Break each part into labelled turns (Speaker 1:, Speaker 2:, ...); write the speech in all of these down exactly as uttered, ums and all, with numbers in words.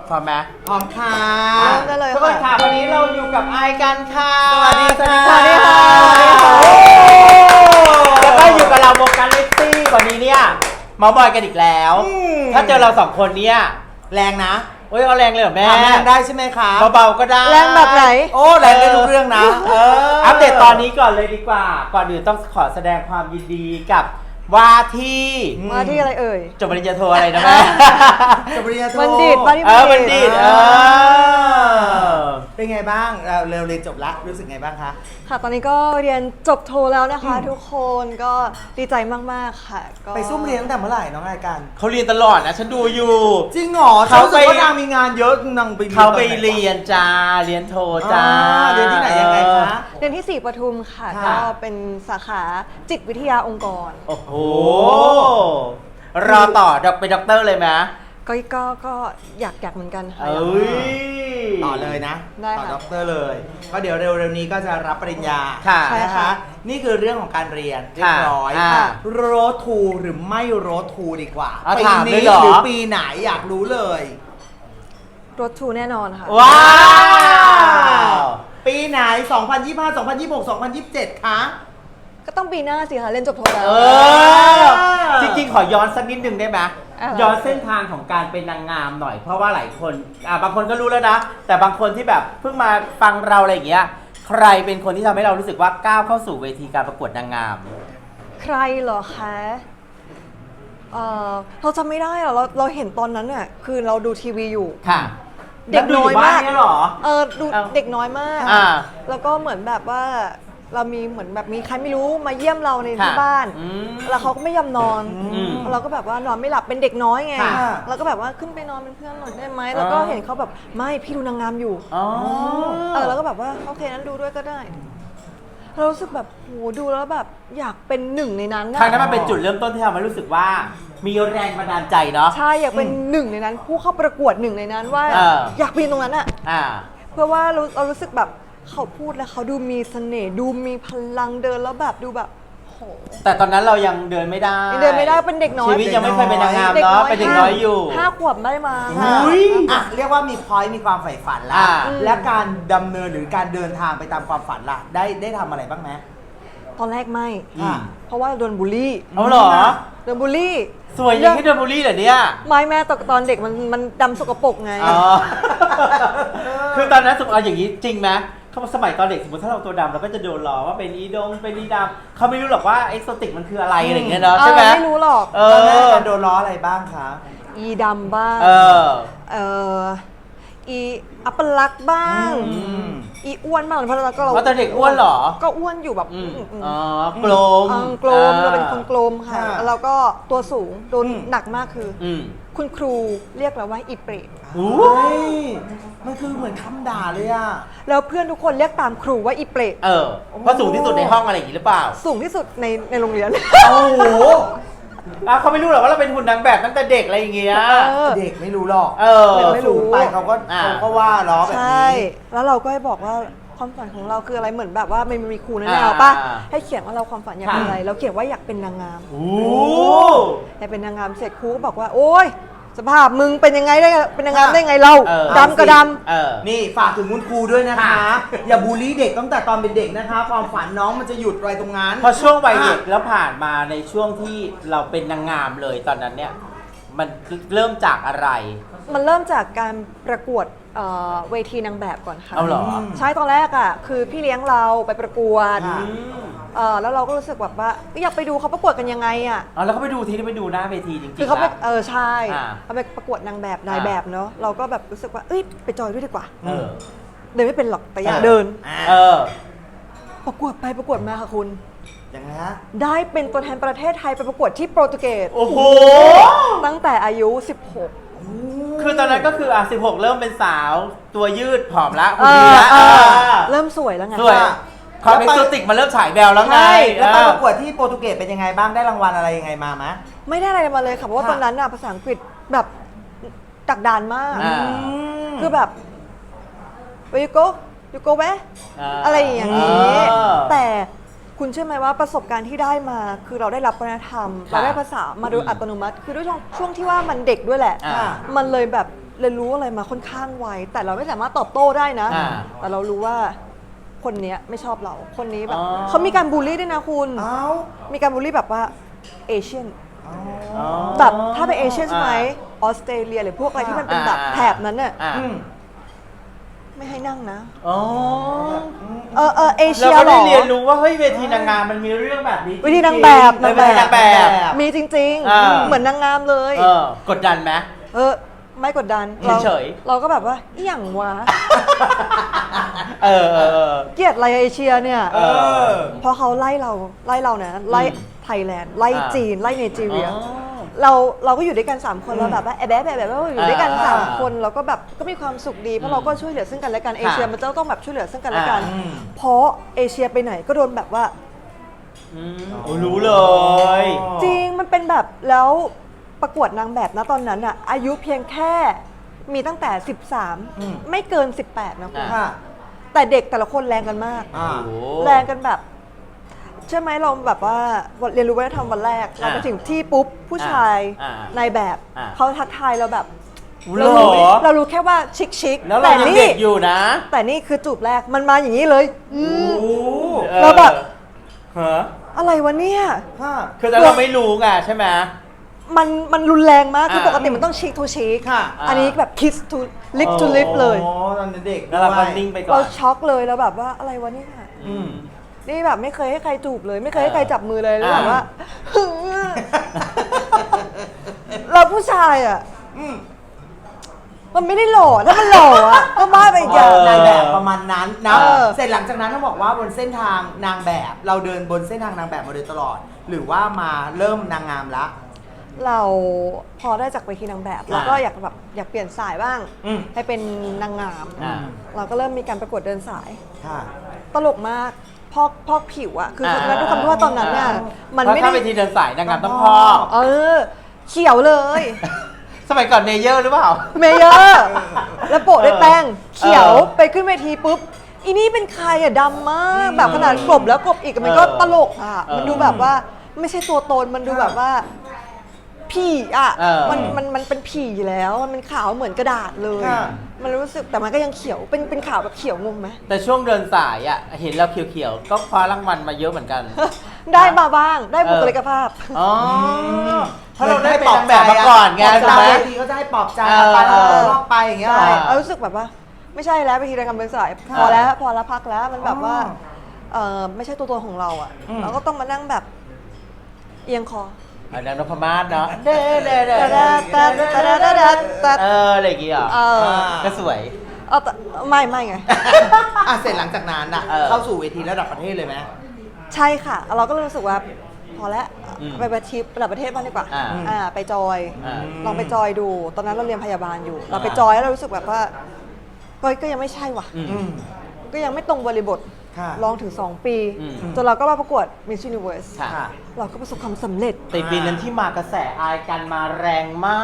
Speaker 1: พร้อมไหม
Speaker 2: พร้อมค่ะ
Speaker 3: เริ่มได้เลย
Speaker 1: ทุกคน
Speaker 3: ค่ะ
Speaker 1: ค่ะวันนี้เราอยู่กับไอกันค่ะ
Speaker 2: สวัสดีค่ะ
Speaker 1: สวัสดีค่ะแล้วก็อยู่กับเราโมกันเลสซี่วันนี้เนี่ยเมาบอยกันอีกแล้ว ถ้าเจอเราสองคนเนี่ย
Speaker 2: แรงนะ
Speaker 1: โอ้ยเอาแรงเลยเหรอแม่
Speaker 2: ทำแรงได้ใช่ไหมคะ
Speaker 1: เบาๆก็ได้
Speaker 3: แรงแบบไหน
Speaker 2: โอ้แรงได้ทุกเรื่องนะเออ
Speaker 1: อัปเดตตอนนี้ก่อนเลยดีกว่า ก่อนอื่นต้องขอแสดงความยินดีกับว่าที่
Speaker 3: มาที่อะไรเอ่ย
Speaker 1: จบปริญญาโทอะไรนะแม่
Speaker 2: จบปริญญาโท
Speaker 3: บัณฑิตบัณฑิต
Speaker 1: เออบัณฑิตเออ
Speaker 2: เป็นไงบ้างเราเร็วเรียนจบละรู้สึกไงบ้างคะ
Speaker 3: ค่ะ ตอนนี้ก็เรียนจบโทแล้วนะคะ ทุกคนก็ดีใจมากๆค่ะก็
Speaker 2: ไปซุ่มเรียนตั้งแต่เมื่อไหร่น้องรายการ
Speaker 1: เขาเรียนตลอดนะฉันดูอยู่
Speaker 2: จริงเหรอ
Speaker 1: เขา
Speaker 2: เขา
Speaker 1: ไป
Speaker 2: ไปว่านางมีงานเยอะนางไป
Speaker 1: เขาไป
Speaker 2: ตอนหน
Speaker 1: เรียนจ้าเรียนโทจ้า
Speaker 2: อ่าเรียนที่ไหนยังไงคะ
Speaker 3: เรียนที่สี่ปทุมค่ะ
Speaker 2: ค่ะ
Speaker 3: ก็เป็นสาขาจิตวิทยาองค์กร
Speaker 1: โอ้โหรอต่อดอกเป็นด็อกเตอร์เลยไหม
Speaker 3: ก็ก็ก็อยากอยากเหมือนกันค่ะ
Speaker 1: เอ้ย
Speaker 2: ต่อเลยนะ
Speaker 3: ได้
Speaker 2: ต่อ
Speaker 3: ค่ะ
Speaker 2: ด็อกเตอร์เลยก็เดี๋ยวเร็วๆนี้ก็จะรับปริญญา
Speaker 1: ค่ะ
Speaker 3: ใช่
Speaker 2: นะคะ
Speaker 3: ค่ะ
Speaker 2: นี่คือเรื่องของการเรียนเรียบร้อย
Speaker 1: อ่า
Speaker 2: โรทูหรือไม่โรทูดีกว่า
Speaker 1: เอา
Speaker 2: ปี
Speaker 1: ถามเลย
Speaker 2: นี้
Speaker 1: เหรอ
Speaker 2: หรือปีไหนอยากรู้เลย
Speaker 3: รถทูแน่นอนค่ะ
Speaker 1: ว้าว
Speaker 2: ปีไหน สองพันยี่สิบห้า สองพันยี่สิบหก สองพันยี่สิบเจ็ด คะ
Speaker 3: ก็ต้องปีหน้าสิคะเรียนจบโทแล้ว
Speaker 1: เออ จริงๆ ขอย้อนสักนิดนึงได้ไหม
Speaker 3: อะไร
Speaker 1: ย้อนเส้นทางของการเป็นนางงามหน่อย เพราะว่าหลายคนอ่ะบางคนก็รู้แล้วนะ แต่บางคนที่แบบเพิ่งมาฟังเราอะไรอย่างเงี้ย ใครเป็นคนที่ทำให้เรารู้สึกว่าก้าวเข้าสู่เวทีการประกวดนางงาม
Speaker 3: ใครเหรอคะเออเราจำไม่ได้อะเราเราเห็นตอนนั้นเนี่ยคือเราดูทีวีอยู่
Speaker 1: ค่ะ
Speaker 3: เด็กน้อยมาก
Speaker 1: แล้วดูบ้นเนี่ยเหรอ
Speaker 3: เออดู
Speaker 1: เอ้า
Speaker 3: เด็กน้อยมาก
Speaker 1: อ่า
Speaker 3: แล้วก็เหมือนแบบว่าเรามีเหมือนแบบมีใครไม่รู้มาเยี่ยมเราใน
Speaker 1: ค่ะ
Speaker 3: ที่บ้าน
Speaker 1: อืม
Speaker 3: แล้วเขาก็ไม่ยอมนอน
Speaker 1: อืม
Speaker 3: เราก็แบบว่านอนไม่หลับเป็นเด็กน้อยไง
Speaker 2: ค่ะ
Speaker 3: เราก็แบบว่าขึ้นไปนอนเป็นเพื่อนหน่อยได้ไหมแล้วก็เห็นเขาแบบไม่พี่ดูนางงามอยู่
Speaker 1: อ๋อ
Speaker 3: เออแล้วก็แบบว่าโอเคนั้นดูด้วยก็ได้เรารู้สึกแบบโหดูแล้วแบบอยากเป็นหนึ่งในนั้น
Speaker 1: ครั้งนั้น
Speaker 3: อะ
Speaker 1: มันเป็นจุดเริ่มต้นที่ทำให้รู้สึกว่า มีแรงบันดาลใจเนาะ
Speaker 3: ใช่อยากเป็นหนึ่งในนั้น ผู้เข้าประกวดหนึ่งในนั้นว่า
Speaker 1: เออ
Speaker 3: อยากเป็นตรงนั้นอะ
Speaker 1: อ่า
Speaker 3: เพื่อว่าเราเรารู้สึกแบบเขาพูดแล้วเขาดูมีเสน่ห์ดูมีพลังเดินแล้วแบบดูแบบโห
Speaker 1: แต่ตอนนั้นเรายังเดินไม่ได้
Speaker 3: ยังเดินไม่ได้เป็นเด็กน้อย
Speaker 1: ชีวิตยังไม่เคยเป็นนางงามเนาะเป็นเด็กน้อยอยู่
Speaker 3: ห้าขวบได้มา
Speaker 1: อุ๊ย
Speaker 2: อ่ะเรียกว่ามีพอยต์มีความใฝ่ฝันละ
Speaker 1: อ่า
Speaker 2: และการดำเนินหรือการเดินทางไปตามความฝันล่ะ ได้ได้ทำอะไรบ้างไหม
Speaker 3: ตอนแรกไม่
Speaker 1: อืม
Speaker 3: เพราะว่าโดนบูลลี่
Speaker 1: เอาเหรอ
Speaker 3: โดนบูลลี่
Speaker 1: สวยอย่างที่โดนบูลลี่เหรอเนี่ย
Speaker 3: ไม่แม่ตอนตอนเด็กมันมันดำสกปรกไง
Speaker 1: อ๋อ คือตอนนั้นสมมติเอาอย่างนี้จริงไหมเขาสมัยตอนเด็กสมมติถ้าเราตัวดำเราก็จะโดนล้อว่าเป็นอีดงเป็นอีดำเขาไม่รู้หรอกว่าเอ็กโซติกมันคืออะไรอะไรอย่างเงี้ยเนาะใช่ไหม
Speaker 3: เออไม่รู้หรอก
Speaker 1: เอ
Speaker 2: ตอนแรก
Speaker 1: อ
Speaker 2: การโดนล้ออะไรบ้างคะ
Speaker 3: อีดำบ้าง
Speaker 1: เออ
Speaker 3: เอออีอัปลักษณ์บ้าง
Speaker 2: อืม
Speaker 3: อีอ้วนบ้างเพราะเราก็เรา
Speaker 1: เพราะตอนเด็กอ้วนเหรอ
Speaker 3: ก็อ้วนอยู่แบบ
Speaker 1: อืม
Speaker 3: อืมอืม
Speaker 1: อ๋อกลม
Speaker 3: เออกลมเราเป็นคนกลมค่ะ
Speaker 2: ค่ะ
Speaker 3: แล้วเราก็ตัวสูงโดน
Speaker 2: อืม
Speaker 3: หนักมากคือ
Speaker 1: อืม
Speaker 3: คุณครูเรียกเราว่าอีเปรต
Speaker 1: อู้
Speaker 2: เฮ้ยมันคือเหมือนคำด่าเลยอ่ะ
Speaker 3: แล้วเพื่อนทุกคนเรียกตามครูว่าอีเปรต
Speaker 1: เออเพราะสูงที่สุดในห้องอะไรอย่างงี้หรือเปล่า
Speaker 3: สูงที่สุดในในโรงเรียน
Speaker 2: โอ้โห
Speaker 1: อ่ะเขาไม่รู้หรอกว่าเราเป็นหุ่นนางแบบตั้งแต่เด็กอะไรอย่างเงี้ย
Speaker 3: เออ
Speaker 2: เด็กไม่รู้หรอก
Speaker 1: เออ
Speaker 3: เด็กไม่รู้
Speaker 2: สูงไปเขาก็
Speaker 1: อ่า
Speaker 2: เขาก็ว่าล้อแบบ
Speaker 3: ใช่
Speaker 2: นี้
Speaker 3: แล้วเราก็ให้บอกว่าความฝันของเราคืออะไรเหมือนแบบว่ามันมีครูแน่
Speaker 1: อ่า
Speaker 3: ๆป่ะให้เขียนว่าเราความฝันอยากเป็น
Speaker 1: ค่ะ
Speaker 3: อะไรเราเขียนว่าอยากเป็นนางงาม
Speaker 1: อู้
Speaker 3: อยากเป็นนางงามเสร็จครูก็บอกว่า โอ๊ยสภาพมึงเป็นยังไงได้เป็นนางงามได้ไงเรา
Speaker 1: เออ
Speaker 3: ดำก็ด
Speaker 1: เออ
Speaker 2: นี่ฝากถึงคุณครูด้วยนะคะ อย่าบูลลี่เด็กตั้งแต่ตอนเป็นเด็กนะคะ ความฝันน้องมันจะหยุดไว้ตรงนั้น
Speaker 1: พอช่วงวัยเด็กแล้วผ่านมาในช่วงที่เราเป็นนางงามเลยตอนนั้นเนี่ยมันเริ่มจากอะไร
Speaker 3: ำมันเริ่มจากการประกวดเอ่อเวทีนางแบบก่อนค่ะ
Speaker 1: เอาเหรอ
Speaker 3: ใช่ตอนแรกอ่ะคือพี่เลี้ยงเราไปประกวด
Speaker 2: ค่ะ
Speaker 1: อืม
Speaker 3: เออแล้วเราก็รู้สึกแบบว่าอยากไปดูเขาประกวดกันยังไงอ่ะ
Speaker 1: อ๋อแล้วเขาไปดูทีที่ไปดูหน้าเวทีจริงๆ
Speaker 3: คือเขาไป
Speaker 1: นะ
Speaker 3: เออใช่
Speaker 1: อ่า
Speaker 3: เขาไปประกวดนางแบบนาย
Speaker 1: อ่า
Speaker 3: แบบเนาะเราก็แบบรู้สึกว่าเอ้ยไปจอยด้วยดีกว่า
Speaker 1: เออ
Speaker 3: เดินไม่เป็นหรอกแต่อยาก
Speaker 1: เออ
Speaker 3: เดิน
Speaker 1: เออ
Speaker 3: ประกวดไปประกวดมาค่ะคุณ
Speaker 2: ยังไงฮะ
Speaker 3: ได้เป็นตัวแทนประเทศไทยไปประกวดที่โปรตุเกส
Speaker 1: โอ้โห
Speaker 3: ตั้งแต่อายุ สิบหก
Speaker 1: คือตอนนั้นก็คืออ่ะสิบหกเริ่มเป็นสาวตัวยืดผอมละ
Speaker 3: เอ
Speaker 1: หุ่นดี
Speaker 3: อ
Speaker 1: ละ
Speaker 3: เออ
Speaker 1: เออ
Speaker 3: เริ่มสวยแล้วไง
Speaker 1: สวย
Speaker 2: ค่ะ
Speaker 1: ความเอ็กโซติกมันเริ่มฉายแววแล้วไง
Speaker 3: ใช่
Speaker 2: แล้วไป
Speaker 1: เออ
Speaker 2: ประกวดที่โปรตุเกสเป็นยังไงบ้างได้รางวัลอะไรยังไงมาไหม
Speaker 3: ไม่ได้อะไรมาเลยค่ะเพราะว่า
Speaker 2: ค่ะ
Speaker 3: ตอนนั้นน่ะภาษาอังกฤษแบบดักดานมาก
Speaker 1: อ่า
Speaker 3: คือแบบ where you go you go where
Speaker 1: า
Speaker 3: อะไรอย่างนี้
Speaker 1: เออ
Speaker 3: แต่คุณเชื่อไหมว่าประสบการณ์ที่ได้มาคือเราได้รับวัฒนธรรม
Speaker 1: ค่ะ
Speaker 3: เราได้ภาษามาโดยอัตโนมัติ คือด้วยช่วงช่วงที่ว่ามันเด็กด้วยแหละ
Speaker 1: อ่า
Speaker 3: มันเลยแบบเรียนรู้อะไรมาค่อนข้างไวแต่เราไม่สามารถตอบโต้ได้นะ
Speaker 1: อ่า
Speaker 3: แต่เรารู้ว่าคนเนี้ยไม่ชอบเราคนนี้แบบ
Speaker 1: อ๋อ
Speaker 3: เขามีการบูลลี่ด้วยนะคุณ
Speaker 2: เอ้า
Speaker 3: มีการบูลลี่แบบว่าเอเชียน
Speaker 2: อ๋อ
Speaker 1: อ๋อ
Speaker 3: แบบถ้าเป็นเอเชียนใช่ไหมออสเตรเลียหรือพวกอะไรที่มันเป็นแบบ
Speaker 1: อ่า
Speaker 3: แถบนั้นน่ะ
Speaker 1: อ่า
Speaker 2: อืม
Speaker 3: ไม่ให้นั่งนะ
Speaker 1: อ๋อ
Speaker 3: เออเออเอ
Speaker 1: เรา
Speaker 3: เชีย
Speaker 1: ก็
Speaker 3: เหร
Speaker 1: ได้
Speaker 3: อ
Speaker 1: เรียนรู้ว่าเฮ้ยเวทีนางงามมันมีเรื่องแบบนี้
Speaker 3: เวทีนางแบบ
Speaker 1: จริงๆเวทีนางแบบ
Speaker 3: มีจริง
Speaker 1: อ่า
Speaker 3: ๆ เหมือนนางงามเลย
Speaker 1: เออกดดันไหม
Speaker 3: เออไม่กดดันเรา
Speaker 1: เฉยๆ
Speaker 3: เราก็แบบว่าอหย่างวะ
Speaker 1: เออเออเออ
Speaker 3: เกลียดอะไรเอเชียเนี่ย
Speaker 1: เออ
Speaker 3: เพราะเขาไล่เราไล่เรานะไล่
Speaker 1: อืม
Speaker 3: ไทยแลนด์ไล่
Speaker 1: อ่า
Speaker 3: จีนไล่เนจีเรีย
Speaker 1: อ๋อ
Speaker 3: เราเราก็อยู่ด้วยกันสามคนเราแบบว่าแอบแอบแอบแอบอยู่ด้วยกัน
Speaker 1: อ่า
Speaker 3: สามคนเราก็แบบก็มีความสุขดีเพราะเราก็ช่วยเหลือซึ่งกันและกันเอเชีย
Speaker 1: ค่ะ
Speaker 3: มันจะต้องแบบช่วยเหลือซึ่งกันและกัน
Speaker 1: อ่า
Speaker 3: เพราะเอเชียไปไหนก็โดนแบบว่า
Speaker 1: อืมโอ้รู้เลย
Speaker 3: จริงมันเป็นแบบแล้วประกวดนางแบบนะตอนนั้นอะอายุเพียงแค่มีตั้งแต่ สิบสาม
Speaker 2: อืม
Speaker 3: ไม่เกิน สิบแปดนะคุณ
Speaker 1: อ่า
Speaker 2: ค่ะ
Speaker 3: แต่เด็กแต่ละคนแรงกันมาก
Speaker 2: อ่า
Speaker 1: โอ้
Speaker 3: แรงกันแบบใช่ไหมเราแบบว่าเรียนรู้วัฒนธรรมวันแรก เราไปถึงที่ปุ๊บผู้ชาย
Speaker 1: อ่า
Speaker 3: นายแบบ
Speaker 1: อ่า
Speaker 3: เขาทักทายเราแบบ
Speaker 1: เหร
Speaker 3: เรา
Speaker 1: อ
Speaker 3: รู้เรารู้แค่ว่าชิคชิค
Speaker 1: แล้วเรา
Speaker 3: แต่
Speaker 1: ยัง
Speaker 3: นี่
Speaker 1: เด็กอยู่นะ
Speaker 3: แต่นี่คือจูบแรกมันมาอย่างนี้เลยอืม
Speaker 2: โอ้
Speaker 1: ออ
Speaker 3: เราแบบ
Speaker 1: ฮะ
Speaker 3: อะไรวะเนี่ย
Speaker 2: ค่ะ
Speaker 1: คือแต่เราไม่รู้ไงใช่ไหม
Speaker 3: มันมันรุนแรงมากคือ
Speaker 1: อ่า
Speaker 3: ปกติมันต้องชิคทูชิค
Speaker 2: ค่ะ
Speaker 3: อันนี้แบบ kiss to lip to lip เลย
Speaker 2: อ๋อตอนเด็ก
Speaker 1: แล้วเราก็
Speaker 2: ด้วย
Speaker 1: นิ่งไปก่อ
Speaker 3: เรา
Speaker 1: น
Speaker 3: ช็อกเลยแล้วแบบว่าอะไรวะเนี่ย
Speaker 1: อืม
Speaker 3: นี่แบบไม่เคยให้ใครจูบเลย ไม่เคยให้ใครจับมือเลยแล้วแบบว่า เราผู้ชายอ่ะ
Speaker 2: อืม
Speaker 3: มันไม่ได้หล่อถ้ามันหล่ออ่ะก็บ้าไปอีกอย่าง
Speaker 1: เออ
Speaker 2: นายแบบประมาณนั้นนะ
Speaker 3: เออ
Speaker 2: เสร็จหลังจากนั้นต้องบอกว่าบนเส้นทางนางแบบ เราเดินบนเส้นทางนางแบบมาโดยตลอด หรือว่ามาเริ่มนางงามละ
Speaker 3: เราพอได้จากเวทีนางแบบเราก็อยากแบบอยากเปลี่ยนสายบ้าง
Speaker 2: อืม
Speaker 3: ให้เป็นนางงาม
Speaker 1: อ่า
Speaker 3: เราก็เริ่มมีการประกวดเดินสาย
Speaker 2: ค่ะ
Speaker 3: ตลกมากพอกพอกผิวอะคือคือด้วยความที่ว่าตอนนั้นเนี่ยมัน
Speaker 1: เพราะ
Speaker 3: ไม่
Speaker 1: ถ้า
Speaker 3: ได้
Speaker 1: เป็นทีเดินสายนางงามต้อง
Speaker 2: ต้อง
Speaker 1: พอก
Speaker 3: เออ เขียวเลย
Speaker 1: สมัยก่อนเนเยอร์หรือเปล่า
Speaker 3: เมเยอร์แล้วโปะด้วยแป้งเขียว
Speaker 1: เออ
Speaker 3: ไปขึ้นเวทีปุ๊บอีนี่เป็นใครอะดำมากแบบขนาดกลบแล้วกลบอีกมันก็
Speaker 1: เออ
Speaker 3: ตลกอะ
Speaker 1: เออ
Speaker 3: มันดูแบบว่าไม่ใช่ตัวตนมันดูแบบว่าผีอะ
Speaker 1: เออ
Speaker 3: มันมันมันเป็นผีแล้วมันเป็นขาวเหมือนกระดาษเลย
Speaker 2: ค่ะ
Speaker 3: มันรู้สึกแต่มันก็ยังเขียวเป็นเป็นขาวแบบเขียวงงไหม
Speaker 1: แต่ช่วงเดินสายอ่ะ เห็นเราเขียวๆ ก็คว้ารางวัลมาเยอะเหมือนกัน
Speaker 3: ได้มาบ้างได้บุคลิกภาพ
Speaker 1: อ๋อ
Speaker 2: ม
Speaker 1: เพราะเราได้เป็นนางแบบมาก่อนไง
Speaker 2: ปลบ
Speaker 1: ใช่
Speaker 2: ใจ
Speaker 1: ไหม
Speaker 2: บางทีก็จะให้ปลอบใจ
Speaker 1: เออ
Speaker 2: ไปแล้วก็รอบไปอย่างเงี้ย
Speaker 3: ใช่
Speaker 2: เหรอ
Speaker 3: เรารู้สึกแบบว่า ไม่ใช่แล้วไปทีละกำเป็นสาย
Speaker 2: ค่ะ
Speaker 3: พอแล้วพอแล้วพักแล้วมันแบบว่า
Speaker 2: อ๋อ
Speaker 3: เออไม่ใช่ตัวตนของเราอ่ะ
Speaker 2: อืม
Speaker 3: เราก็ต้องมานั่งแบบเอียงคอ
Speaker 1: อันนั้นนพมาศเนาะเด้เด้เด้
Speaker 3: ตะตะตะตะตะตะตะ
Speaker 1: เอออะไรอย่างเงี้ยเหรอ
Speaker 3: เออ
Speaker 1: ก็สวย
Speaker 3: เอาแต่ไม่ไม่ไง
Speaker 2: อ่ะเสร็จหลังจากนั้นอ่ะ
Speaker 1: เออ
Speaker 2: เข้าสู่เวทีระดับประเทศเลยไหม
Speaker 3: ใช่ค่ะ เราก็เลยรู้สึกว่า พอแล้ว
Speaker 1: อืม
Speaker 3: ไปประทิประดับประเทศบ้างดีกว่า
Speaker 1: อ่า
Speaker 3: อ่าไปจอย
Speaker 1: อ่า
Speaker 3: ลองไปจอยดู ตอนนั้นเราเรียนพยาบาลอยู่ เราไป
Speaker 1: อ่า
Speaker 3: จอยแล้วเรารู้สึกแบบว่าก็ก็ยังไม่ใช่ว่ะ
Speaker 1: อืม
Speaker 2: อืม
Speaker 3: ก็ยังไม่ตรงบริบท
Speaker 2: ค่ะ
Speaker 3: ลองถึงสองปี
Speaker 1: อืม
Speaker 3: จนเราก็มาประกวด Miss Universe
Speaker 1: ค่ะ
Speaker 2: ค่ะ
Speaker 3: เราก็ประสบความสำเร็จ
Speaker 1: แต่ปีนั้นที่มากระแสอายกันมาแรงมาก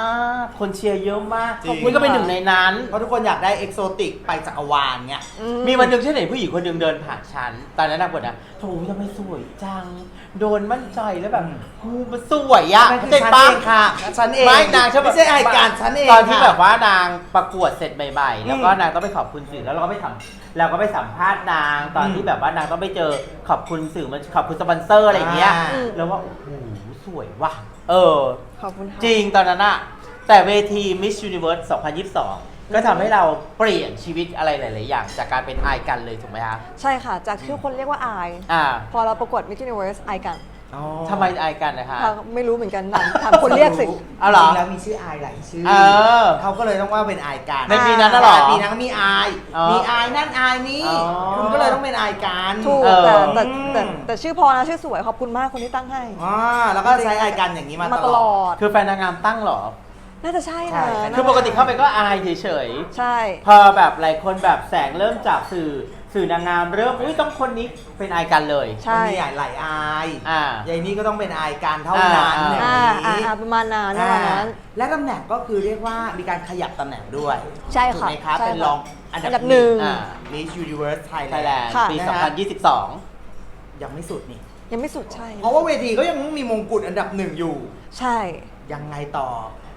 Speaker 1: คนเชียร์เยอะมาก
Speaker 2: จริง
Speaker 1: คุณก็เป็นหนึ่งในนั้น
Speaker 2: เพราะทุกคนอยากได้เอกโซติกไปจักรวาลเงี้ย
Speaker 1: มีวันหนึ่งฉันเห็นผู้หญิงคนหนึ่งเดินผ่านฉัน ตอนนั้นนางบอกนะโถทำไมสวยจัง โดนมั่นใจแล้วแบบ
Speaker 2: อืม
Speaker 1: กูมันสวยอะ
Speaker 2: นั่นคือ
Speaker 1: เจ็บ
Speaker 2: ฉัน
Speaker 1: ปะ
Speaker 2: เองค่ะฉันเอง
Speaker 1: ไม่นางชอบ
Speaker 2: ไม่ใช่รายการฉันเอง
Speaker 1: ตอนที่
Speaker 2: ค่ะ
Speaker 1: แบบว่านางประกวดเสร็จใหม่ๆ แล้วก็
Speaker 2: อืม
Speaker 1: นางต้องไปขอบคุณสื่อแล้วเราก็ไปสัมเราก็ไปสัมภาษณ์นางตอน
Speaker 2: อืม
Speaker 1: ที่แบบว่านางต้องไปเจอขอบคุณสื่อมันขอบคุณสปอนเซอร์อะไรอย่างเงี้ย
Speaker 2: อ่า
Speaker 1: แล้วว่าโอ้โหสวยว่ะเออ
Speaker 3: ขอบคุณค่ะ
Speaker 1: จริงตอนนั้นอะแต่เวที Miss Universe สองพันยี่สิบสอง ก็ทำให้เราเปลี่ยนชีวิตอะไรหลาย ๆ อย่าง จากการเป็นอายกันเลยถูกไหมคะ
Speaker 3: ใช่ค่ะ จากที่คนเรียกว่าอาย
Speaker 1: อ่า
Speaker 3: พอเราประกวด Miss Universe อายกัน
Speaker 2: อ๋อ
Speaker 1: ทำไมอายกันนะคะ
Speaker 3: เราไม่รู้เหมือนกันถามถามคนเรียกสิ
Speaker 1: เอาเหรอ
Speaker 2: จงแล้วมีชื่ออายหลายชื่อ
Speaker 1: เออ
Speaker 2: เขาก็เลยต้องว่าเป็นอายการ
Speaker 1: ในปีนั้นน่ะเหรอ
Speaker 2: ปีนั้นก็มีอาย
Speaker 1: อ๋อ
Speaker 2: มีอายนั่นอายนี้
Speaker 1: อ๋อ
Speaker 2: คุณก็เลยต้องเป็นอายการ
Speaker 3: ถูก
Speaker 1: เออ
Speaker 3: แต่แต่
Speaker 2: อืม
Speaker 3: แต่แต่ชื่อพอนะชื่อสวยขอบคุณมากคนที่ตั้งให้
Speaker 2: อ่าแล้วก็ใช้อายการอย่างนี้มา
Speaker 3: มา
Speaker 2: ต
Speaker 3: ต
Speaker 2: ล
Speaker 3: ล
Speaker 2: อ
Speaker 3: อ
Speaker 2: ด
Speaker 3: ด
Speaker 1: คือแฟนนางงามตั้งเหรอ
Speaker 3: น่าจะใช่
Speaker 2: ใช่
Speaker 3: นะ
Speaker 1: คือปกติเข้าไปก็อายเฉย
Speaker 3: ใช่
Speaker 1: ๆ พอแบบหลายคนแบบแสงเริ่มจากสื่อสื่อนางงามเริ่มอุ้ยต้องคนนี้เป็นอายกันเลย
Speaker 3: ใช่
Speaker 2: มันมีหลายอาย
Speaker 1: อ่า
Speaker 2: ยายนี่ก็ต้องเป็นอายการเท่านั้น
Speaker 1: อ่า
Speaker 2: อย่าง
Speaker 3: อ่าอ่า
Speaker 2: นี้
Speaker 3: อ่าประมาณนั้นประมาณนั้น
Speaker 2: และตำแหน่งก็คือเรียกว่ามีการขยับตำแหน่งด้วย
Speaker 3: ใช่
Speaker 2: ถูก
Speaker 3: ค่ะ
Speaker 2: ไหมครับ
Speaker 3: ใช่
Speaker 2: เป็น
Speaker 3: ค่ะ
Speaker 2: รองอัน
Speaker 3: อัน
Speaker 2: ดั
Speaker 3: ดั
Speaker 2: บบ ห
Speaker 3: ห
Speaker 2: นึ่
Speaker 3: นึ่
Speaker 2: ง
Speaker 3: ง
Speaker 1: อ่า
Speaker 2: Miss Universe
Speaker 1: ไทย
Speaker 2: Thailand
Speaker 1: แลนด์
Speaker 3: ค่ะ
Speaker 1: ปี
Speaker 2: นะฮะ
Speaker 1: สองพันยี่สิบสอง
Speaker 2: ยังไม่สุดนี่
Speaker 3: ยังไม่สุดใช่
Speaker 2: เพราะว่าเวทีก็ยังมีมงกุฎอันดับหนึ่งอยู่
Speaker 3: ใช่
Speaker 2: ยังไงต่อ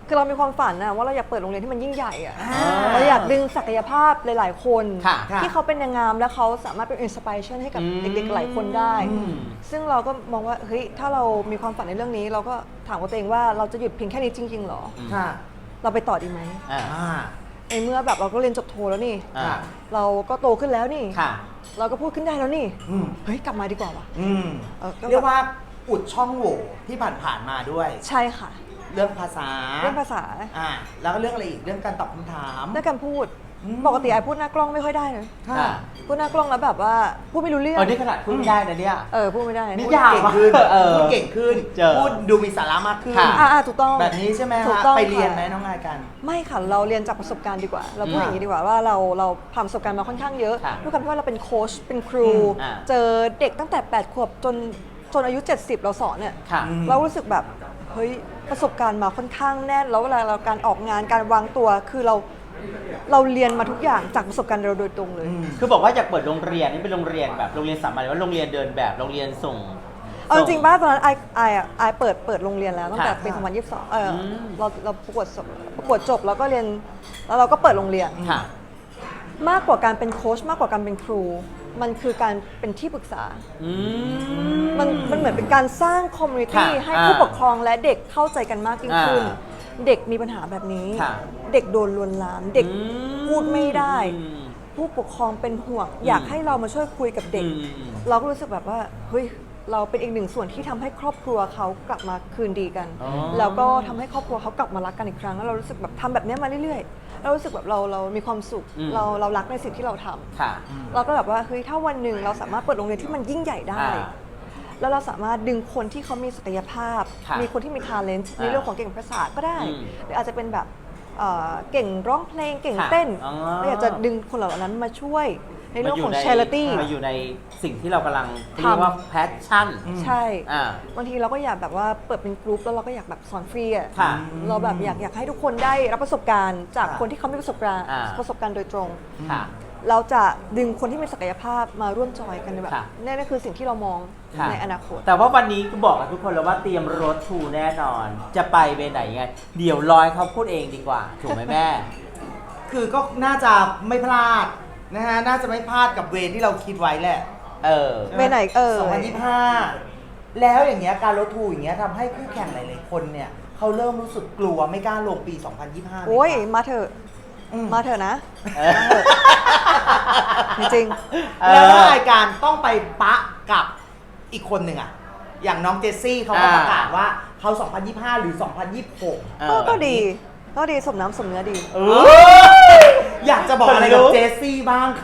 Speaker 3: คือเรามีความฝันนะว่าเราอยากเปิดโรงเรียนที่มันยิ่งใหญ่อะ
Speaker 2: อ่า
Speaker 3: เราอยากดึงศักยภาพหลายๆคน
Speaker 1: ค่ะ
Speaker 2: ค่ะ
Speaker 3: ที่เขาเป็นนางงามแล้วเขาสามารถเป็นอินสปิเรชันให้กับ
Speaker 1: อืม
Speaker 3: เด็กๆหลายคนได้
Speaker 1: อืม
Speaker 3: ซึ่งเราก็มองว่าเฮ้ยถ้าเรามีความฝันในเรื่องนี้ เราก็ถามกับตัวเองว่าเราจะหยุดเพียงแค่นี้จริงๆหรอ
Speaker 2: ค่ะ
Speaker 3: เราไปต่อดีไหม
Speaker 1: อ่า
Speaker 2: อ่า
Speaker 3: ในเมื่อแบบเราก็เรียนจบโทแล้วนี่
Speaker 1: อ่า
Speaker 3: เราก็โตขึ้นแล้วนี่
Speaker 1: ค่ะ
Speaker 3: เราก็พูดขึ้นได้แล้วนี่
Speaker 2: อืม
Speaker 3: เฮ้ยกลับมาดีกว่าว่ะ
Speaker 2: อืม
Speaker 3: เออก็
Speaker 2: เรียกว่าอุดช่องโหว่ที่ผ่านๆมาด้วย
Speaker 3: ใช่ค่ะ
Speaker 2: เรื่องภาษา
Speaker 3: เรื่องภาษา
Speaker 2: อ่าแล้วก็เรื่องอะไรอีกเรื่องการตอบคำถาม
Speaker 3: เรื่องการพูด
Speaker 2: อืม
Speaker 3: ปกติไอพูดหน้ากล้องไม่ค่อยได้เลย
Speaker 2: ค่ะ
Speaker 1: อ่า
Speaker 3: พูดหน้ากล้องแล้วแบบว่าพูดไม่รู้เรื่อง
Speaker 1: เออนี่ขนาดพูดไม่ได้นะเนี่ย
Speaker 3: เออพูดไม่ได้
Speaker 1: นี่
Speaker 2: พูด
Speaker 1: ยาก
Speaker 2: เก่งขึ้น
Speaker 1: เออ
Speaker 2: พูดเก่งขึ้น
Speaker 1: เจอ
Speaker 2: พูดดูมีสาระมากขึ้น
Speaker 1: ค่ะ
Speaker 3: อ่าอ่าถูกต้อง
Speaker 2: แบบนี้ใช่ไหม
Speaker 3: ถูก
Speaker 2: ฮะ
Speaker 3: ต้อง
Speaker 2: ไปเรียน
Speaker 3: ค่ะ
Speaker 2: ไหมน้องนายกัน
Speaker 3: ไม่ค่ะเราเรียนจากประสบการณ์ดีกว่า เราพูด
Speaker 1: อืม
Speaker 3: อย่างนี้ดีกว่าว่าเราเราผ่านประสบการณ์มาค่อนข้างเยอะ
Speaker 1: ค่ะ
Speaker 3: ด้วยความที่ว่าเราเป็นโค้ชเป็นครู
Speaker 2: อืม
Speaker 1: อ่า
Speaker 3: เจอเด็กตั้งแต่แปดขวบจนจนอายุเจ็ดสิบเราสอนเนี่ย
Speaker 1: ค่ะ
Speaker 2: อืม
Speaker 3: เรารู้สึกแบบเฮ้ยประสบการณ์มาค่อนข้างแน่นแล้วเวลาเราการออกงานการวางตัวคือเราเราเรียนมาทุกอย่างจากประสบการณ์เราโดยตรงเลย
Speaker 2: อืม
Speaker 1: คือบอกว่าอยากเปิดโรงเรียนนี่เป็นโรงเรียนแบบโรงเรียนสามัญหรือว่าโรงเรียนเดินแบบโรงเรียนส่ง
Speaker 3: เอาจริงๆบ้าตอนนั้นไอไออะไอเปิดเปิดโรงเรียนแล้วตั้งแต่
Speaker 1: ค่ะ
Speaker 3: ปีสองพันยี่สิบสองเอออ
Speaker 1: ม
Speaker 3: เราเราประกวดจบประกวดจบแล้วก็เรียนแล้วเราก็เปิดโรงเรียน
Speaker 1: ค่ะ
Speaker 3: มากกว่าการเป็นโค้ชมากกว่าการเป็นครู มันคือการเป็นที่ปรึกษา
Speaker 1: อืม
Speaker 3: มันมันเหมือนเป็นการสร้างคอมมูนิตี้
Speaker 1: ค่ะ
Speaker 3: ให้
Speaker 1: อ่า
Speaker 3: ผู้ปกครองและเด็กเข้าใจกันมากยิ่งขึ้น
Speaker 1: อ่า
Speaker 3: เด็กมีปัญหาแบบนี้
Speaker 1: ค่ะ
Speaker 3: เด็กโดนลวนลาม เด็ก
Speaker 1: อืม
Speaker 3: พูดไม่ได้
Speaker 1: อืม
Speaker 3: ผู้ปกครองเป็นห่วง อยากให้เรามาช่วยคุยกับเด็ก
Speaker 1: อืมอืม
Speaker 3: เราก็รู้สึกแบบว่าเฮ้ยเราเป็นอีกหนึ่งส่วนที่ทำให้ครอบครัวเขากลับมาคืนดีกัน
Speaker 1: อ๋อ
Speaker 3: แล้วก็ทำให้ครอบครัวเขากลับมารักกันอีกครั้งแล้วเรารู้สึกแบบทำแบบเนี้ยมาเรื่อยๆเรารู้สึกแบบเราเรามีความสุข
Speaker 1: อืม
Speaker 3: เราเรารักในสิ่งที่เราทำ
Speaker 1: ค่ะ
Speaker 3: เราก็แบบว่าเฮ้ยถ้าวันหนึ่งเราสามารถเปิดโรงเรียนที่มันยิ่งใหญ่ได้
Speaker 1: อ่า
Speaker 3: แล้วเราสามารถดึงคนที่เขามีศักยภาพ
Speaker 1: ค่ะ
Speaker 3: มีคนที่มี talent ใน
Speaker 1: อ่า
Speaker 3: เรื่องของเก่งภาษาก็ได้
Speaker 1: อืม
Speaker 3: หรืออาจจะเป็นแบบเอ่อเก่งร้องเพลงเก่ง
Speaker 1: ค่ะ
Speaker 3: เต้น
Speaker 1: อ๋อ
Speaker 3: เราอยากจะดึงคนเหล่านั้นมาช่วยในเรื่องของ
Speaker 1: มายู่
Speaker 3: charity
Speaker 1: มาอยู่ในสิ่งที่เรากำลัง
Speaker 3: ทำ
Speaker 1: เรียกว่า passion
Speaker 3: ใช่
Speaker 1: อ่า
Speaker 3: บางทีเราก็อยากแบบว่าเปิดเป็นกลุ่มแล้วเราก็อยากแบบสอนฟรีอ่ะ
Speaker 1: ค่ะ
Speaker 3: เราแบบอยากอยากให้ทุกคนได้รับประสบการณ์จาก
Speaker 2: ค่ะ
Speaker 3: คนที่เขามีประสบการณ์
Speaker 1: อ่า
Speaker 3: ประสบการณ์โดยตรง
Speaker 1: ค่ะ
Speaker 3: เราจะดึงคนที่มีศักยภาพมาร่วมจอยกันในแบบ
Speaker 1: ค่ะ
Speaker 3: นี่นคือสิ่งที่เรามอง
Speaker 1: ค่ะ
Speaker 3: ในอนาคต
Speaker 1: แต่ว่าวันนี้ก็บอกกับทุกคนแล้วว่าเตรียมรถทูแน่นอน จะไปไปไหนยังไง เดี๋ยวรอยเขาพูดเองดีกว่า ถูกไหมแม่
Speaker 2: คือก็น่าจะไม่พลาดนะฮะ น่าจะไม่พลาดกับเวรที่เราคิดไว้แหละ
Speaker 1: เออ
Speaker 3: เวรไหนเอ่ย
Speaker 2: สองพันยี่สิบห้าแล้วอย่างเงี้ยการลดทูอย่างเงี้ยทำให้คู่แข่งหลายๆคนเนี่ยเขาเริ่มรู้สึกกลัวไม่กล้าลงปี สองพันยี่สิบห้า
Speaker 3: โอ้ยมาเถอะ
Speaker 2: อืม
Speaker 3: มาเถอะนะ
Speaker 1: เออ
Speaker 3: มาเถอะจริง
Speaker 1: เออ
Speaker 2: แล้วถ้ารายการต้องไปปะกับอีกคนหนึ่งอะอย่างน้องเจสซี่เขาก็
Speaker 1: อ่า
Speaker 2: ประกาศว่าเขา สองพันยี่สิบห้า หรือ สองพันยี่สิบหก
Speaker 1: เอ
Speaker 3: ก็
Speaker 1: อ
Speaker 3: ก็ดี ก็ดีสมน้ำสมเนื้อดี
Speaker 1: เออ
Speaker 2: อยากจะบอกอะไรกับ
Speaker 1: คนลุก
Speaker 2: เจสซี่บ้างคะ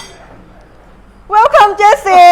Speaker 3: Welcome Jessie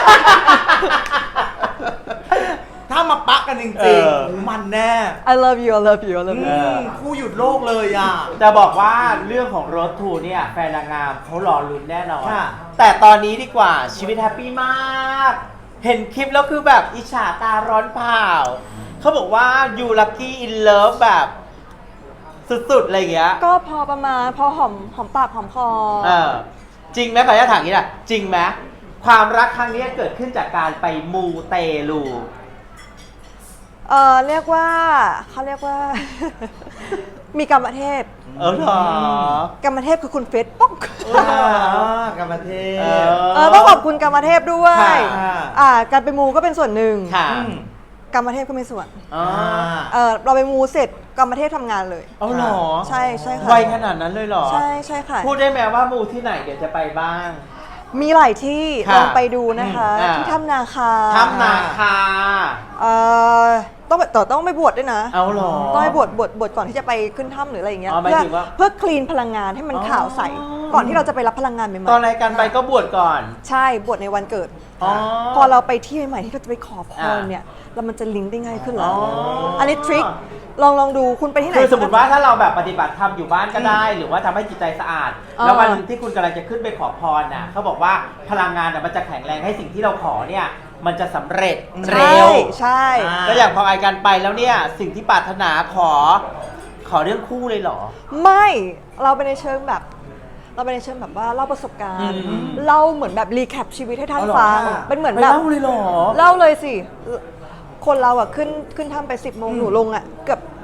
Speaker 2: ถ้ามาปะกันจ
Speaker 1: เอ
Speaker 2: ริง
Speaker 1: อ
Speaker 2: ๆโอ้มันแน่
Speaker 3: I love you I love you I love
Speaker 2: อื
Speaker 3: you
Speaker 2: มคู่หยุดโลกเลยอ่ะ
Speaker 1: จะบอกว่าเรื่องของรถทูเนี่ยแฟนนางงามเขารอลุ้นแน่นอน
Speaker 2: ค่ะ
Speaker 1: แต่ตอนนี้ดีกว่าชีวิตแฮปปี้มาก เห็นคลิปแล้วคือแบบอิจฉาตาร้อนเผาเขาบอกว่า you lucky in love แบบสุดๆอะไรอย่างเงี้ย
Speaker 3: ก็พอประมาณพอหอมหอมปากหอมคอ
Speaker 1: เออจริงไหมขออนุญาตถามอย่างนี้นะจริงไหมความรักครั้งนี้เกิดขึ้นจากการไปมูเตลู
Speaker 3: เออเรียกว่าเขาเรียกว่า มีกรรมเทพ
Speaker 1: เออเหรอก
Speaker 3: รรมเทพคือคุณเฟสป๊อก
Speaker 2: อ่ากรรมเทพ
Speaker 1: เอ
Speaker 3: เออต้องขอบคุณกรรมเทพด้วย
Speaker 1: ค่ะ
Speaker 3: อ่าการไปมูก็เป็นส่วนหนึ่ง
Speaker 1: ค่ะ
Speaker 2: อืม
Speaker 3: กรรมเทพก็มีส่วน
Speaker 1: อ๋อ
Speaker 3: เออเราไปมูเสร็จกรรมเทพทำงานเลย
Speaker 1: เอาเหรอ
Speaker 3: ใช่ใช่ค่ะ
Speaker 1: ไวขนาดนั้นเลยเหรอ
Speaker 3: ใช่ใช่ค่ะ
Speaker 1: พูดได้ไหมว่ามูที่ไหนเดี๋ยวจะไปบ้าง
Speaker 3: มีหลายที่
Speaker 1: ค่ะ
Speaker 3: ลองไปดูนะคะ
Speaker 1: อืมอ่า
Speaker 3: ที่ถ้ำนาคา
Speaker 1: ถ้ำนาคา
Speaker 3: เอ่อต้องไปแต่ต้องไปบวชด้วยนะ
Speaker 1: เอาเหรอ
Speaker 3: ต้องไปบวชบวชบวชก่อนที่จะไปขึ้นถ้ำหรืออะไรอย่างเงี้ย
Speaker 1: อ๋อหมาย
Speaker 3: เพื่อ
Speaker 1: ถึงว่า
Speaker 3: เพื่อคลีนพลังงานให้มัน
Speaker 1: อ๋อ
Speaker 3: ขาวใสก่อนที่เราจะไปรับพลังงานใหม่
Speaker 1: ตอนรายการไปก็บวชก่อน
Speaker 3: ๆใช่บวชในวันเกิด
Speaker 1: อ๋อ
Speaker 3: พอเราไปที่ใหม่ๆที่เราจะไปขอพร
Speaker 1: อ่า
Speaker 3: เนี่ยแล้วมันจะลิงก์ได้ง่ายขึ้นแล้ว
Speaker 1: อ๋ออั
Speaker 3: อันนี้ทริคลองลองดูคุณไปที่ไหน
Speaker 1: คือสมมติว่าถ้าเราแบบปฏิบัติธรรมอยู่บ้านก็ได้ หรือว่าทำให้จิตใจสะอาด
Speaker 3: เออ
Speaker 1: แล้ววันที่คุณกำลังจะขึ้นไปขอพรน่ะเขาบอกว่าพลังงานน่ะมันจะแข็งแรงให้สิ่งที่เราขอเนี่ยมันจะสำเร็จ
Speaker 3: ใช่
Speaker 1: เร็ว
Speaker 3: ใช่
Speaker 2: อ่า
Speaker 1: ก็อย่างพอไอการไปแล้วเนี่ยสิ่งที่ปรารถนาขอขอเรื่องคู่เลยเหรอ
Speaker 3: ไม่เราไปในเชิงแบบ เราไปในเชิงแบบว่าเล่าประสบการณ์
Speaker 1: อืม
Speaker 3: เล่าเหมือนแบบรีแคปชีวิตให้ท่าน
Speaker 1: เอาเหรอ
Speaker 3: ฟัง
Speaker 2: ค่ะ
Speaker 3: เป็นเหมือน
Speaker 1: ไป
Speaker 3: แบบ
Speaker 1: เล่าเลยเหรอ
Speaker 3: เล่าเลยสิ คนเราอ่ะขึ้นขึ้นถ้ำไปสิบโมงหนูลงอ่ะเกือบ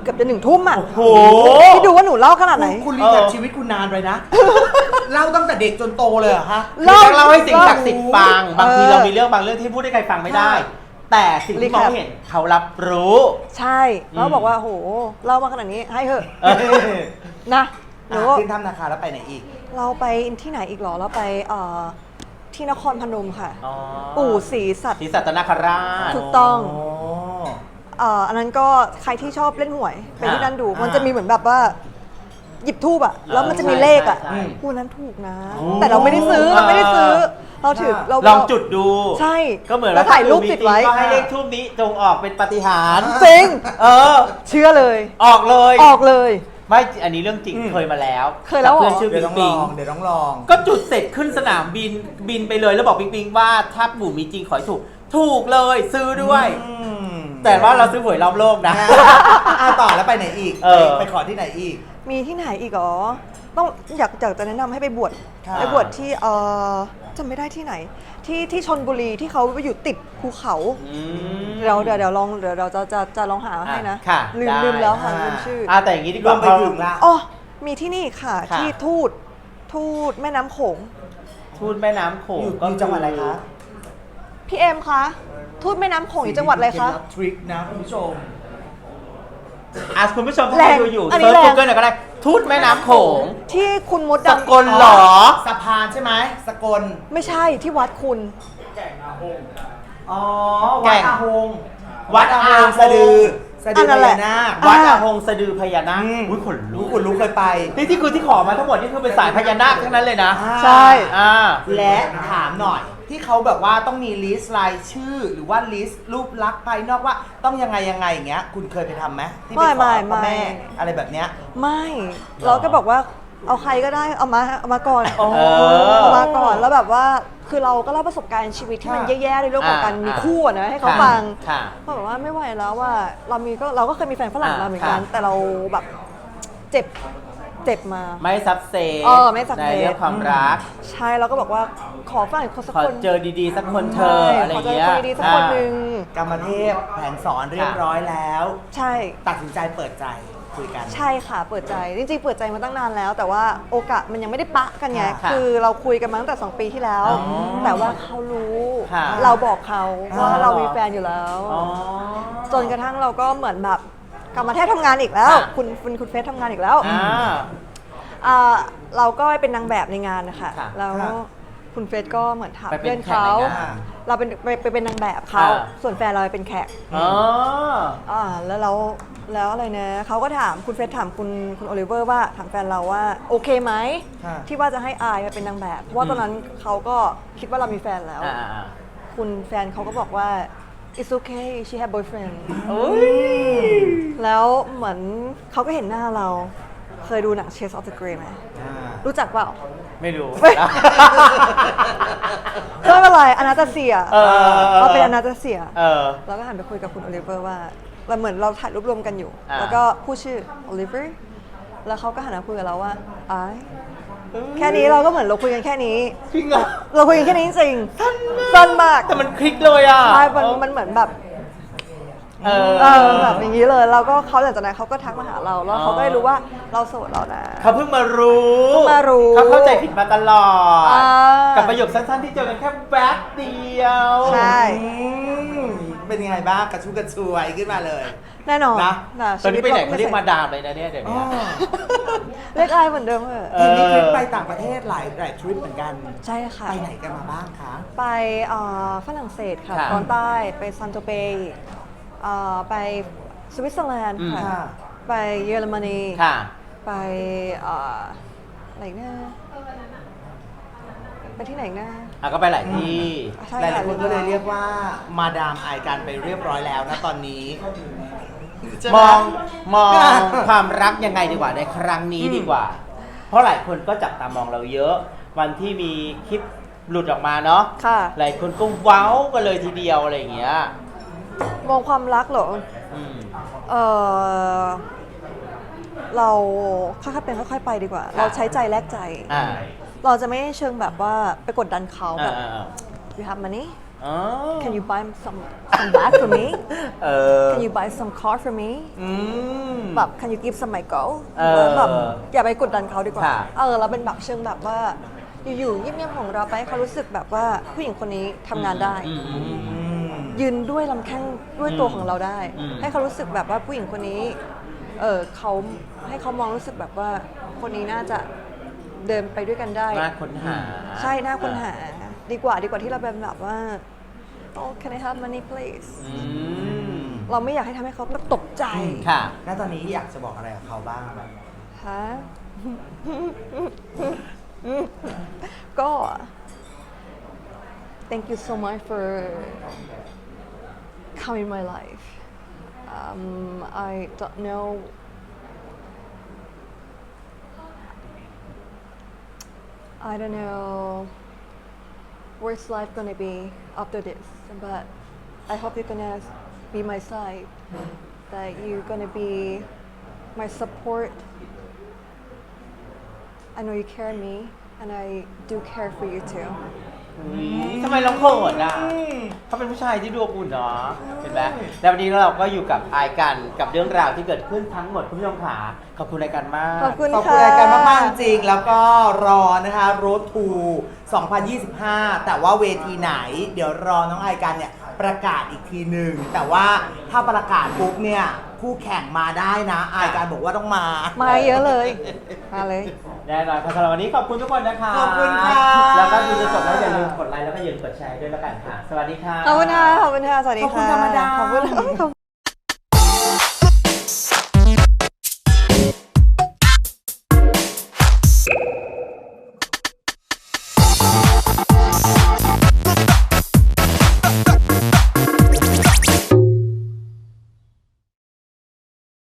Speaker 3: เกือบจะหนึ่งทุ่มอ่ะ
Speaker 1: โอ้โห
Speaker 3: พี่ดูว่าหนูเล่าขนาดไหน
Speaker 2: คุณคุณรีแคปชีวิตคุณนานไปนะ เล่าตั้งแต่เด็กจนโตเลยเหรอฮะ
Speaker 1: คือต้องเล่าให้สิ่งศักดิ์สิทธิ์ฟัง บางที
Speaker 3: เออ
Speaker 1: เรามีเรื่องบางเรื่องที่พูดให้ใครฟังไม่ได้ แต่สิ่งที่มอง
Speaker 3: รีแคป
Speaker 1: เห็นเขารับรู้
Speaker 3: ใช่แล้วบอกว่าโหเล่ามาขนาดนี้ให้เถอะ
Speaker 1: เออ
Speaker 3: นะหนู
Speaker 2: อ่ะขึ้นถ้ำนาคาแล้วไปไหนอีก
Speaker 3: เราไปที่ไหนอีกเหรอเราไปเอ่อที่นครพนมค่ะ
Speaker 1: อ๋อ
Speaker 3: ปู่ศรีสัตว์
Speaker 1: ศรีสัตนคราช
Speaker 3: ถูกต้อง
Speaker 2: โอ้
Speaker 3: เอ่ออันนั้นก็ใครที่ชอบเล่นหวยไปที่นั่นดู
Speaker 2: อ่ามั
Speaker 3: มันจะมีเหมือนแบบว่า หยิบทูบอะแล้วมันจะมีเลขอะ
Speaker 1: ใช่ใช่
Speaker 3: คู่นั้นถูกนะ
Speaker 1: โอ้
Speaker 3: แต่เราไม่ได้ซื้อเราไม่ได้ซื้อ เราถือเรา
Speaker 1: ลองจุดดู
Speaker 3: ใช่
Speaker 1: ก็เหมือน
Speaker 3: แล้วถ่ายรูปติดไว้
Speaker 1: ก็ให้เลขทูบนี้จงออกเป็นปาฏิหาริย์
Speaker 3: จริง
Speaker 1: เออ
Speaker 3: เชื่อเลย
Speaker 1: ออกเลย
Speaker 3: ออกเลย
Speaker 1: ไม่ อันนี้เรื่องจริงเคยมาแล้ว
Speaker 3: เคยแล้วเหรอ
Speaker 1: กับเพื่อนชื่อ
Speaker 2: เดี๋ย
Speaker 1: ปิ
Speaker 2: ว
Speaker 1: ง
Speaker 2: ต้องล
Speaker 1: ปิง
Speaker 2: อง เดี๋ยวต้องลอง
Speaker 1: ก็จุดเสร็จขึ้นสนามบินบินไปเลยแล้วบอกปิงปิงว่าถ้าปู่มีจริงขอให้ถูก ถูกเลยซื้อด้วย
Speaker 2: อืม
Speaker 1: แต่ว่าเราซื้อหวยรอบโลกนะ
Speaker 2: อ่ะต่อแล้วไปไหนอีก
Speaker 1: เออ
Speaker 2: ไปขอที่ไหนอีก
Speaker 3: มีที่ไหนอีกเหรอต้องอยากอยากจะแนะนำให้ไปบวช
Speaker 2: ค่ะ
Speaker 3: ไปบวชที่เออจำไม่ได้ที่ไหน ที่ที่ชนบุรีที่เขาไปอยู่ติดภูเขา
Speaker 1: อืม
Speaker 3: เดี๋ยวเดี๋ยวเดี๋ยวลองเดี๋ยวเราจะจะจะลองหาให้นะ
Speaker 1: ค่ะ
Speaker 3: ลืม
Speaker 1: ได้
Speaker 3: ลืมแล้วค่ะ
Speaker 2: อ่า
Speaker 3: ลืมชื่อ
Speaker 1: อ่าแต่อย่างนี้ดีก
Speaker 2: รว
Speaker 1: ว่าม
Speaker 2: ไปถึงละ
Speaker 3: อ๋อมีที่นี่ค่ะ
Speaker 1: ค่ะ
Speaker 3: ที่ทูตทูตแม่น้ำโขง
Speaker 1: ทูตแม่น้ำโขง
Speaker 2: อยู่
Speaker 1: ก็
Speaker 2: อยู่จังหวัดอะไรคะ
Speaker 3: พี่เอ็มคะทูตแม่น้ำโขงอยู่จังหวัดอะไรคะ
Speaker 2: เคล็ดลับทริคนะคุณผู้ชม
Speaker 1: อ่ะคุณผู้ชมที่
Speaker 3: แรง
Speaker 1: ดูอยู่
Speaker 3: อันนี้
Speaker 1: เซิร์ช
Speaker 3: แรง
Speaker 1: กูเกิลหน่อยก็ได้ ทูตแม่น้ำโขง
Speaker 3: ที่คุณมด
Speaker 1: ส
Speaker 3: ดำ
Speaker 1: กลเหรอ
Speaker 2: สะพานใช่ไหมสกล
Speaker 3: ไม่ใช่ที่วัดคุณ
Speaker 2: อ๋อ
Speaker 1: แก่
Speaker 2: วัด
Speaker 1: ง
Speaker 2: อาหง
Speaker 1: วัดอาหง
Speaker 2: สะดือสะดือ
Speaker 3: อันนั้น
Speaker 2: พ
Speaker 3: แหละ
Speaker 2: ญานาค
Speaker 1: วัด
Speaker 3: อ่า
Speaker 1: อาหงสะดือพญานาค
Speaker 2: อืม
Speaker 1: อุ้ยขนลุ
Speaker 2: รู้
Speaker 1: ก
Speaker 2: คุณรู้เคยไป
Speaker 1: นี่ที่คือที่ขอมาทั้งหมดนี่คือเป็นสายพญานาคทั้งนั้นเลยนะ
Speaker 2: อ่า
Speaker 3: ใช่
Speaker 1: อ่า
Speaker 2: และถามหน่อย ที่เขาแบบว่าต้องมีลิสต์รายชื่อ หรือว่าลิสต์รูปลักษณ์ภายนอกว่าต้องยังไงยังไงอย่างเงี้ย คุณเคยไปทำไหมที่ไป
Speaker 3: ไม่
Speaker 2: ขอ
Speaker 3: ไม่
Speaker 2: พ่อแม่
Speaker 3: ไม่
Speaker 2: อะไรแบบเนี้ย
Speaker 3: ไม่เราก็บอกว่าเอาใครก็ได้เอามาเอามาก่อน
Speaker 2: โอ้
Speaker 1: เออ
Speaker 3: เอามาก่อนแล้วแบบว่าคือเราก็เล่าประสบการณ์ชีวิตที่มัน
Speaker 2: ค่ะ
Speaker 3: แย่ๆในเรื่องของการ
Speaker 1: อ่ามี
Speaker 3: มีคู่อะนะให้เขา
Speaker 1: ค่ะ
Speaker 3: ฟัง
Speaker 1: ค่ะ
Speaker 3: เขาบอกว่าไม่ไหวแล้วว่าเรามีก็เราก็เคยมีแฟนฝรั่ง
Speaker 1: อ่า
Speaker 3: มาเหมือนกัน
Speaker 1: ค่ะ
Speaker 3: แต่เราแบบเจ็บเจ็บมา
Speaker 1: ไม่ซับเซ
Speaker 3: เออไม่ซับเซ
Speaker 1: ในเรื่องความรัก
Speaker 3: ใช่เราก็บอกว่าขอฝรั่งคนสัก
Speaker 1: ขอ
Speaker 3: คน
Speaker 1: เจอดีๆ สักคนเธอ
Speaker 3: ใช่
Speaker 1: อะไร
Speaker 3: ขอเจอ
Speaker 1: เงี้ย
Speaker 3: คนดีๆสักคนหนึ่ง
Speaker 2: กรรมเทพแผนสอนเรียบร้อยแล้ว
Speaker 3: ใช่
Speaker 2: ตัดสินใจเปิดใจคุยกัน
Speaker 3: ใช่ค่ะเปิดใจจริงๆเปิดใจมาตั้งนานแล้ว แต่ว่าโอกาสมันยังไม่ได้ปะกันไง
Speaker 1: ค่ะ
Speaker 3: คือเราคุยกันมาตั้งแต่สองปีที่แล้ว
Speaker 1: อ๋อ
Speaker 3: แต่ว่าเขารู้
Speaker 1: ค่ะ
Speaker 3: เราบอกเขาว่า
Speaker 2: อ๋อ
Speaker 3: เรามีแฟนอยู่แล้ว
Speaker 1: อ๋อ
Speaker 3: จนกระทั่งเราก็เหมือนแบบกลับมาแทบทำงานอีกแล้ว
Speaker 1: ค่ะ
Speaker 3: คุณคุณคุณเฟสทำงานอีกแล้ว
Speaker 1: อ่า
Speaker 3: อ่าเราก็เป็นนางแบบในงานนะคะ
Speaker 1: ค่ะ
Speaker 3: แล้ว
Speaker 2: ค่ะ
Speaker 3: คุณเฟสก็เหมือนถาม
Speaker 1: ไปเป็น
Speaker 3: เพื่อนเขา
Speaker 1: แขกในงาน
Speaker 3: เราเป็นไปไปเป็นนางแบบเขา
Speaker 1: อ่า
Speaker 3: ส่วนแฟนเราเป็นแขก
Speaker 1: อ๋อ
Speaker 3: อ่าแล้วเราแล้วอะไรนะเขาก็ถามคุณเฟสถามคุณคุณโอลิเวอร์ว่าถามแฟนเราว่าโอเคไหม
Speaker 2: ค่ะ
Speaker 3: ที่ว่าจะให้อายมาเป็นนางแบบเพราะว่าตอนนั้นเขาก็คิดว่าเรามีแฟนแล้ว
Speaker 1: อ่าอ่า
Speaker 3: คุณแฟนเขาก็บอกว่า it's okay she have boyfriend
Speaker 1: เอ้ย
Speaker 3: แล้วเหมือนเขาก็เห็นหน้าเรา เคยดูหนัง Chase of the Grey ไหม
Speaker 2: อ่า
Speaker 3: รู้จักเปล่า
Speaker 1: ไม่รู้
Speaker 3: ไม่ ก็ไม่เป็นไรอนาตาเซีย
Speaker 1: เออ
Speaker 3: เราเป็นอนาตาเซีย
Speaker 1: เออ
Speaker 3: เราก็หันไปคุยกับคุณโอลิเวอร์ว่าเราเหมือนเราถ่ายรูปรวมกันอยู่
Speaker 1: อ่า
Speaker 3: แล้วก็พูดชื่อโอลิเวอร์แล้วเขาก็หันมาคุยกับเราว่าไอายแค่นี้เราก็เหมือนเราคุยกันแค่นี้
Speaker 1: จริงเหรอ
Speaker 3: เราคุยกันแค่นี้จริงๆสั้นมาก
Speaker 1: แต่มันคลิกเลยอ่ะ
Speaker 3: ใช่มันมันเหมือนแบบ
Speaker 1: เออ
Speaker 3: เออแบบอย่างนี้เลยแล้วก็เขาหลังจากนั้นเขาก็ทักมาหาเราแล้วเขาก็ได้รู้ว่าเราโสดแล้วนะ
Speaker 1: เขาเพิ่งมารู้
Speaker 3: เพิ่งมารู้
Speaker 1: เขาเข้าใจผิดมาตลอด
Speaker 3: อ่า
Speaker 1: กับประโยคสั้นๆที่เจอกันแค่แป๊บเดียว
Speaker 3: ใช่
Speaker 2: อืมเป็นยังไงบ้างกระชุ่มกระชวยขึ้นมาเลย
Speaker 3: แน่นอน
Speaker 2: นะ
Speaker 3: ะ
Speaker 1: ตอนนี้ไปไหน
Speaker 3: ชี
Speaker 1: เขา
Speaker 3: วิต
Speaker 1: เรียก
Speaker 3: ก็
Speaker 1: มาดามเลยนะเนี่ยเดี๋ยว
Speaker 2: อ๋อ
Speaker 1: นี้
Speaker 3: เรียกไอายเหมือนเดิมเถอะ
Speaker 1: เอ
Speaker 2: เห็นมีทริป
Speaker 1: อ
Speaker 2: ไปต่างประเทศหลายหลายทริปเหมือนกัน
Speaker 3: ใช่ค่ะ
Speaker 2: ไปไหนกันมาบ้างคะ
Speaker 3: ไปเอ่อฝรั่งเศสค่ะ
Speaker 1: ค่ะ
Speaker 3: ตอนใต้ไปซันโตเปย์เอ่อไปสวิตเซอร์แลนด์
Speaker 1: อืม
Speaker 3: ค่ะ ไปเยอรมนี
Speaker 1: ค่ะ
Speaker 3: ไปเอ่ออะไรอีกนะไปที่ไหนอีกนะ
Speaker 1: อ่ะก็ไปหลายที่
Speaker 3: ใช่
Speaker 2: หลาย
Speaker 3: ค่ะ
Speaker 2: ๆคนก็เลยเรียกว่ามาดามอายการไปเรียบร้อยแล้วนะตอนนี้
Speaker 1: มองมองความรักยังไงดีกว่าในครั้งนี้ดีกว่า เพราะหลายคนก็จับตามองเราเยอะ วันที่มีคลิปหลุดออกมาเนาะ
Speaker 3: ค่ะ
Speaker 1: หลายคนก็เว้ากันเลยทีเดียวอะไรอย่างเงี้ย
Speaker 3: มองความรักเหรอ
Speaker 1: อืม
Speaker 3: เออเราค่อยๆเป็นค่อยๆไปดีกว่า
Speaker 1: ค่ะ
Speaker 3: เราใช้ใจแลกใจ
Speaker 1: อ่า
Speaker 3: เราจะไม่เชิงแบบว่าไปกดดันเขา
Speaker 1: อ่า
Speaker 3: แบบ
Speaker 1: อ่าอ่า
Speaker 3: you have money
Speaker 1: อ๋อ
Speaker 3: Can you buy some some bag for me
Speaker 1: เออ
Speaker 3: Can you buy some car for me
Speaker 1: อืม
Speaker 3: แบบ Can you give some my girl
Speaker 1: เออ
Speaker 3: แบบอย่าไปกดดันเขาดีกว่า
Speaker 1: ค่ะ
Speaker 3: เออเราเป็นแบบเชิงแบบว่าอยู่ๆเงียบๆของเราไปให้เขารู้สึกแบบว่าผู้หญิงคนนี้ทำงานได้
Speaker 1: อืมอืมอืม
Speaker 2: อืม
Speaker 3: ยืนด้วยลำแข้งด้วยตัวของเราได้
Speaker 1: อืม
Speaker 3: ให้เขารู้สึกแบบว่าผู้หญิงคนนี้ เออเขาให้เขามองรู้สึกแบบว่าคนนี้น่าจะเดินไปด้วยกันได้
Speaker 1: น่าค้นหา
Speaker 3: ใช่น่าค้นหาดีกว่าดีกว่าที่เราเป็นแบบว่า oh can I have money please
Speaker 1: อืม
Speaker 3: เราไม่อยากให้ทำให้เขาตกใจ
Speaker 1: ค่ะ
Speaker 2: แล้วตอนนี้อยากจะบอกอะไรกับเขาบ้าง
Speaker 3: ฮะ ก็ thank you so much for coming in my life um, I don't know I don't know where's life gonna be after this, but I hope you're gonna be my side, that you're gonna be my support. I know you care me, and I do care for you too.
Speaker 1: ทำไมร้องเขินอ่ะเขาเป็นผู้ชายที่ดูอบอุ่นเนาะเห็นไหมแล้ววันนี้เราก็อยู่กับอายกันกับเรื่องราวที่เกิดขึ้นทั้งหมดคุณผู้ชมขาขอบคุณรายการมาก
Speaker 3: ขอบคุณ
Speaker 2: ขอบคุณ
Speaker 3: ค่ะ
Speaker 2: รายการมากๆจริงๆแล้วก็รอนะคะ Road to สองพันยี่สิบห้า แต่ว่าเวทีไหน เดี๋ยวรอน้องไอกันเนี่ยประกาศอีกทีหนึ่งแต่ว่าถ้าประกาศปุ๊บเนี่ยคู่แข่งมาได้นะไอกันบอกว่าต้องมา
Speaker 3: มาเยอะเลย มาเลย
Speaker 1: แน่นอนค่ะสำหรับวันนี้ขอบคุณทุกคนนะคะ
Speaker 2: ขอบคุณค่ะ
Speaker 1: แล้วก็ดูจะจบแล้วอย่าลืมกดไลค์แล้วก็อย่าลืมกดแชร์ด้วยแล้วกันค่ะ สวัสดีค่ะ
Speaker 3: ขอบคุณค่ะ ขอบคุณค่ะ สวัสดีค่ะ
Speaker 2: ขอบคุณค่ะมาดาม
Speaker 3: ขอบคุณ